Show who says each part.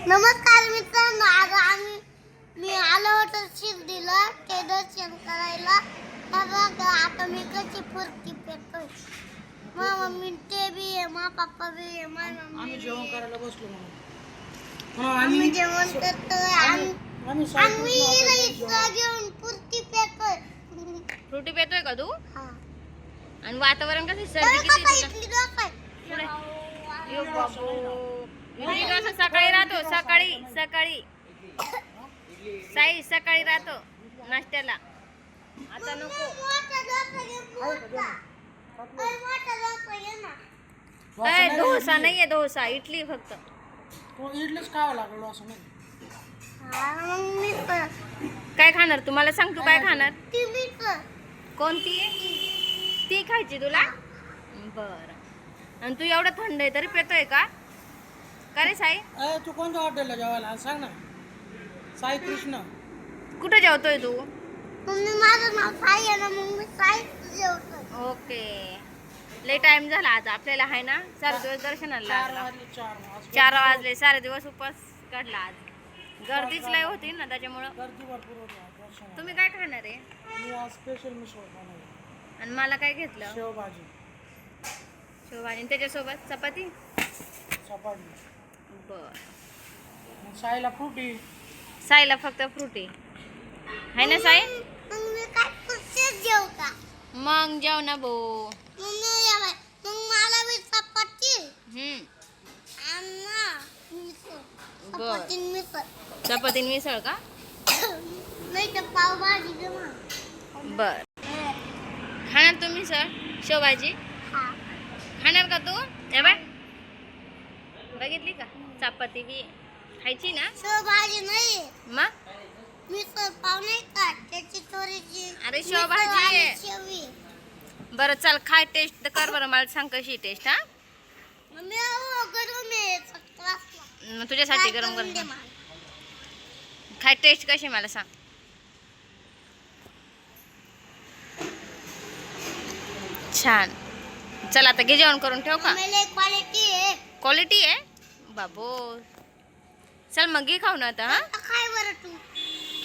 Speaker 1: नमस्कार मित्रांनो, आज मी आलो होतो शिर्डीला ते दर्शन करायला. बघा आता मी कशी फुर्ती पेटतोय. मा मम्मी ते बी आहे, मा पप्पा बी आहे, मा मम्मी.
Speaker 2: आम्ही जेवण करायला बसलो म्हणून
Speaker 1: आम्ही जेवण करतोय. आम्ही इथं जेवण फुर्ती पेटतोय.
Speaker 3: फ्रुटी पेतोय का तू?
Speaker 1: हा.
Speaker 3: आणि वातावरण कसं सर्दी किती तुला?
Speaker 1: इथली डोसा
Speaker 3: यो बाबू. इडली डोसा सकाळी राहतो, सकाळी सकाळी राहतो नाश्त्याला. आता नको. डोसा नाहीये, डोसा इडली फक्त.
Speaker 2: तो इडलीच खावं लागलो असं नाही.
Speaker 3: काय खाणार तू? मला सांग, तू काय खाणार? कोणती ती खायची तुला? बर. आणि तू एवढं थंड आहे तरी पेतोय का? का रे साई?
Speaker 2: तू कोणत्या हॉटेलला जेवायला सांग ना. साई कृष्ण.
Speaker 3: कुठं जेवतोय तू?
Speaker 1: माझं नाव साई आहे ना, मग मी साई जेवतोय.
Speaker 3: ओके. लय टाइम झाला आज आपल्याला, आहे ना? सारे दिवस दर्शनाला लागला. 4 वाजले. सारे दिवस उपवास काढला आज. गर्दीच लय होती ना, त्याच्यामुळं.
Speaker 2: गर्दी भरपूर होती आज दर्शनाला.
Speaker 3: तुम्ही काय खाणार आहे?
Speaker 2: मी आज स्पेशल मिसळ बनवली.
Speaker 3: आणि मला काय घेतलं?
Speaker 2: शेवभाजी,
Speaker 3: शेवभाजी. आणि त्याच्यासोबत चपाती.
Speaker 2: चपाती.
Speaker 3: बर.
Speaker 2: साईला फ्रुटी.
Speaker 3: साईला फक्त फ्रुटी आहे ना साई?
Speaker 1: मग मी काय कुठेच जेव का?
Speaker 3: मग जेव ना भो.
Speaker 1: मग मला बी चपाती
Speaker 3: बर.
Speaker 1: मिसळ.
Speaker 3: चपाती आणि मिसळ का?
Speaker 1: नाही तर पावभाजी दे मग.
Speaker 3: बर. खाणार तू मिसळ शेवभाजी?
Speaker 1: हा.
Speaker 3: खाणार का तू? ए बाय, बघितली का? चपाती बी खायची ना?
Speaker 1: शेवभाजी नाही,
Speaker 3: मग
Speaker 1: मिसळ पाव नाही का त्याची थोडीशी.
Speaker 3: अरे शेवभाजी आहे.
Speaker 1: शेवी.
Speaker 3: बरं चल, खाय, टेस्ट कर बरं, मला सांग कशी टेस्ट. हा,
Speaker 1: मम्मी गरम आहे क्लासला.
Speaker 3: मग तुझ्यासाठी गरम गरम खाय. टेस्ट कशी मला सांग. छान. चल आता घे जेवण करून, ठेव का?
Speaker 1: क्वालिटी आहे.
Speaker 3: क्वालिटी आहे बाबो. चल मग घे खाऊ ना आता. हा,
Speaker 1: काय बरं तू